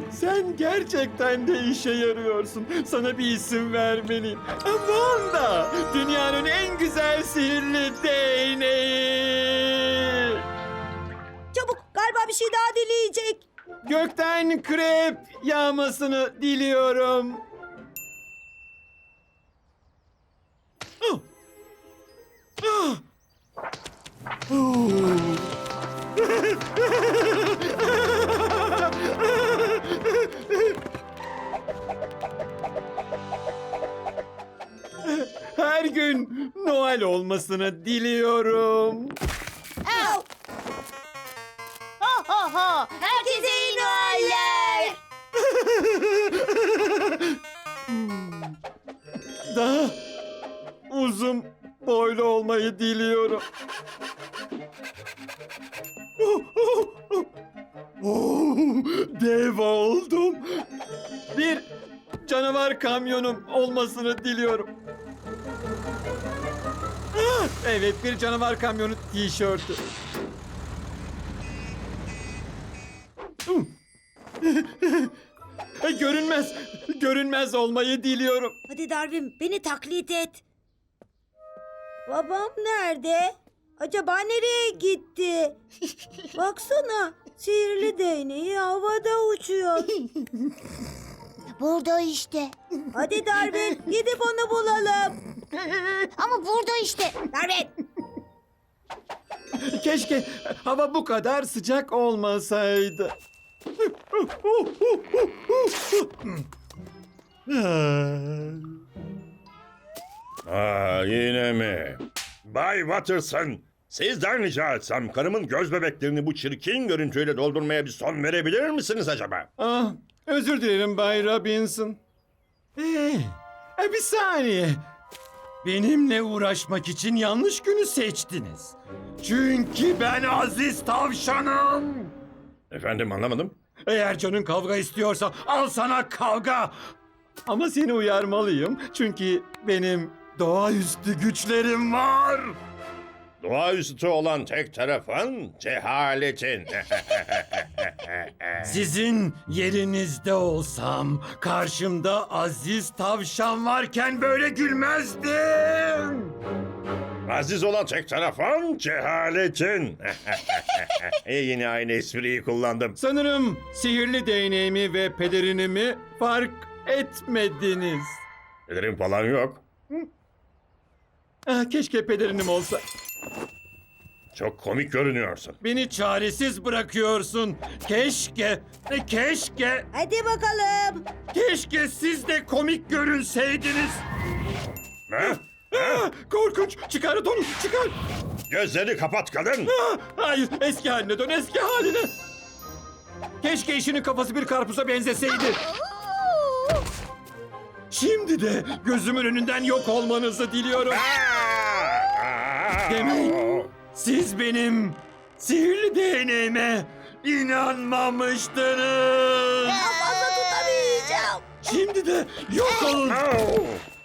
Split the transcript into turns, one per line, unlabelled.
Sen gerçekten de işe yarıyorsun. Sana bir isim vermeliyim. Wanda! Dünyanın en güzel sihirli değneği.
Çabuk, galiba bir şey daha dileyecek.
Gökten krep yağmasını diliyorum. Ah! Ah! Her gün Noel olmasını diliyorum.
Au! Ho ho ho! Herkese iyi Noeller!
Daha uzun boylu olmayı diliyorum. Dev oldum. Bir canavar kamyonum olmasını diliyorum. Evet, bir canavar kamyonu tişörtü. Görünmez olmayı diliyorum.
Hadi Darwin, beni taklit et. Babam nerede? Acaba nereye gitti? Baksana, sihirli değneği havada uçuyor.
Burada işte.
Hadi Darwin, gidip onu bulalım.
Ama burada işte.
Darwin!
Keşke hava bu kadar sıcak olmasaydı.
Yine mi? Bay Watterson, sizden rica etsem karımın göz bebeklerini bu çirkin görüntüyle doldurmaya bir son verebilir misiniz acaba?
Ah, özür dilerim Bay Robinson. Bir saniye. Benimle uğraşmak için yanlış günü seçtiniz. Çünkü ben Aziz Tavşanım.
Efendim anlamadım.
Eğer canın kavga istiyorsa al sana kavga. Ama seni uyarmalıyım çünkü benim doğaüstü güçlerim var.
Doğaüstü olan tek tarafın cehaletin.
Sizin yerinizde olsam karşımda Aziz Tavşan varken böyle gülmezdim.
Aziz olan tek tarafın cehaletin. Yine aynı espriyi kullandım.
Sanırım sihirli değneğimi ve pelerinimi fark etmediniz.
Pelerin falan yok.
Keşke pelerinim olsa.
Çok komik görünüyorsun.
Beni çaresiz bırakıyorsun. Keşke
Hadi bakalım.
siz de komik görünseydiniz.
Ha?
Korkunç. Çıkar onu, çıkar.
Gözleri kapat kadın.
Hayır, eski haline dön, eski haline. Keşke işinin kafası bir karpuza benzeseydi. Şimdi de gözümün önünden yok olmanızı diliyorum. Demek siz benim sihirli değneğime inanmamıştınız.
Fazla tutamayacağım.
Şimdi de yok olun.